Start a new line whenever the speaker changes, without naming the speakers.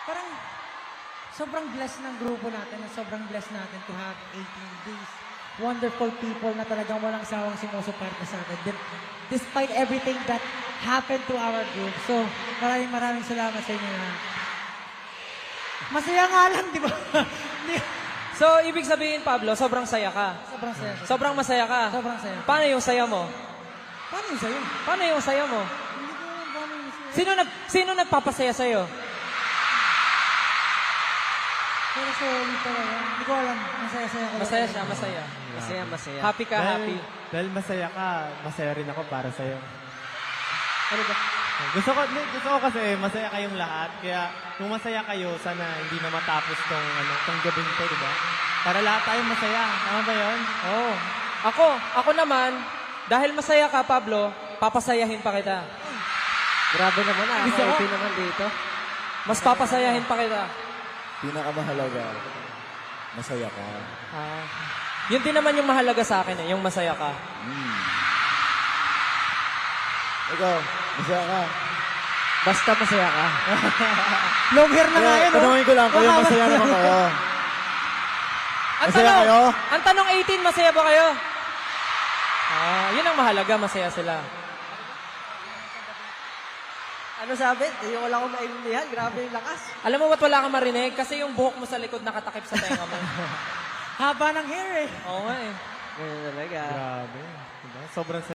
Parang sobrang blessed ng grupo natin at sobrang blessed natin to have 18 days. Wonderful people na talagang walang sawang sumusuporta sa atin. Despite everything that happened to our group. So, maraming salamat sa inyo na. Masaya nga lang, di ba?
So, ibig sabihin, Pablo, sobrang saya ka.
Sobrang saya.
Sobrang masaya ka.
Sobrang saya.
Paano yung saya mo?
Paano yung sayo?
Paano yung saya mo?
Hindi ko alam paano yung sayo.
Sino nagpapasaya sa'yo?
Pero solid talaga. Hindi ko alam. Masaya-saya ko.
Masaya siya, masaya.
Masaya.
Happy ka, happy.
Dahil masaya ka, masaya rin ako para sa'yo.
Ano ba?
Gusto ko kasi masaya kayong lahat. Kaya kung masaya kayo, sana hindi na matapos tong gabing to, di ba? Para lahat tayo masaya. Tama ba yun?
Oo. Ako naman, dahil masaya ka, Pablo, papasayahin pa kita.
Grabe naman, nakaka-open naman dito.
Mas papasayahin pa kita.
Pinakamahalaga, masaya ka.
Yun din naman yung mahalaga sa akin yung masaya ka.
Ikaw, masaya ka.
Basta masaya ka.
Long hair na nga yun, oh.
Tanungin ko lang, kayo masaya naman kayo. Masaya kayo?
Ang tanong 18, masaya ba kayo? Yun ang mahalaga, masaya sila.
Ano sabi? Hindi ko lang ako maintindihan. Grabe yung lakas.
Alam mo ba't wala kang marinig? Kasi yung buhok mo sa likod nakatakip sa tenga mo.
Haba ng hair eh.
Oo nga eh.
Ganyan talaga.
Grabe. Diba? Sobrang